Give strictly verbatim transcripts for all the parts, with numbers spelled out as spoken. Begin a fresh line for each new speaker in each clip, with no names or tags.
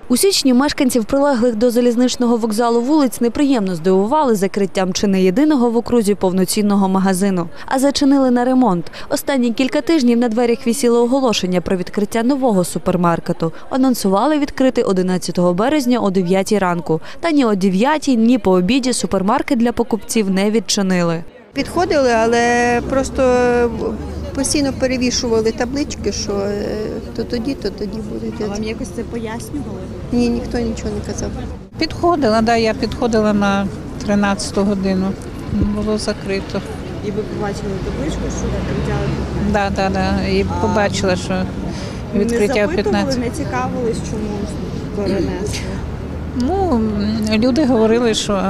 У січні мешканців прилеглих до залізничного вокзалу вулиць неприємно здивували закриттям чи не єдиного в окрузі повноцінного магазину, а зачинили на ремонт. Останні кілька тижнів на дверях висіло оголошення про відкриття нового супермаркету. Анонсували відкрити одинадцятого березня о дев'ятій ранку. Та ні о дев'ятій, ні по обіді супермаркет для покупців не відчинили.
Підходили, але просто постійно перевішували таблички, що то тоді, то тоді буде.
А вам якось це пояснювали?
Ні, ніхто нічого не казав.
Підходила, да, я підходила на тринадцяту годину, було закрито.
І ви побачили табличку, що відкриття?
Да, да, да. І побачила, що відкриття в п'ятнадцятій.
Не цікавились, чому перенесли?
Ну, люди говорили, що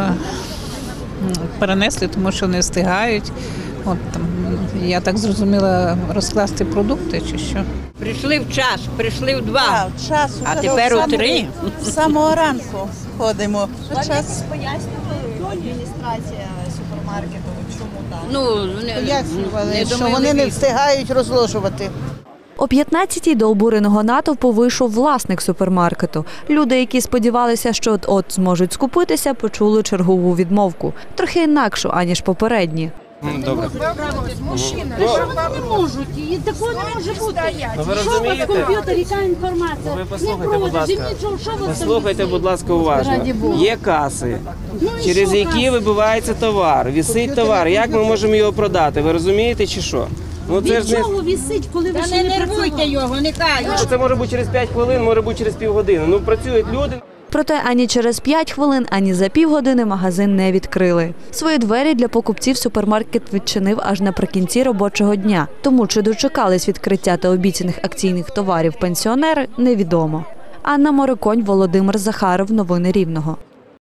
перенесли, тому що не встигають. От там, я так зрозуміла, розкласти продукти чи що.
Прийшли в час, прийшли в два,
а, час,
а тепер у три.
З самого ранку ходимо.
Вам якось пояснювали адміністрація супермаркету, чому так?
Ну, не,
Пояснювали,
не
що
думаю,
вони не
вік.
встигають розложувати.
О п'ятнадцятій до обуреного натовпу вийшов власник супермаркету. Люди, які сподівалися, що от-от зможуть скупитися, почули чергову відмовку. Трохи інакшу, аніж попередні.
Добре.
Мужчина, не можуть, і такого не може бути. Що у вас в комп'ютері, яка інформація?
Ви послухайте, будь ласка. Послухайте, будь ласка, уважно. Є каси, через які вибивається товар, висить товар. Як ми можемо його продати? Ви розумієте чи що? Ну, це
Від чого висить, коли ви
Та
ще
не
не
нервуйте
працювали?
його, нехай.
Це може бути через п'ять хвилин, може бути через півгодини. Ну, працюють люди.
Проте ані через п'ять хвилин, ані за півгодини магазин не відкрили. Свої двері для покупців супермаркет відчинив аж наприкінці робочого дня. Тому чи дочекались відкриття та обіцяних акційних товарів пенсіонери, невідомо. Анна Мориконь, Володимир Захаров. Новини Рівного.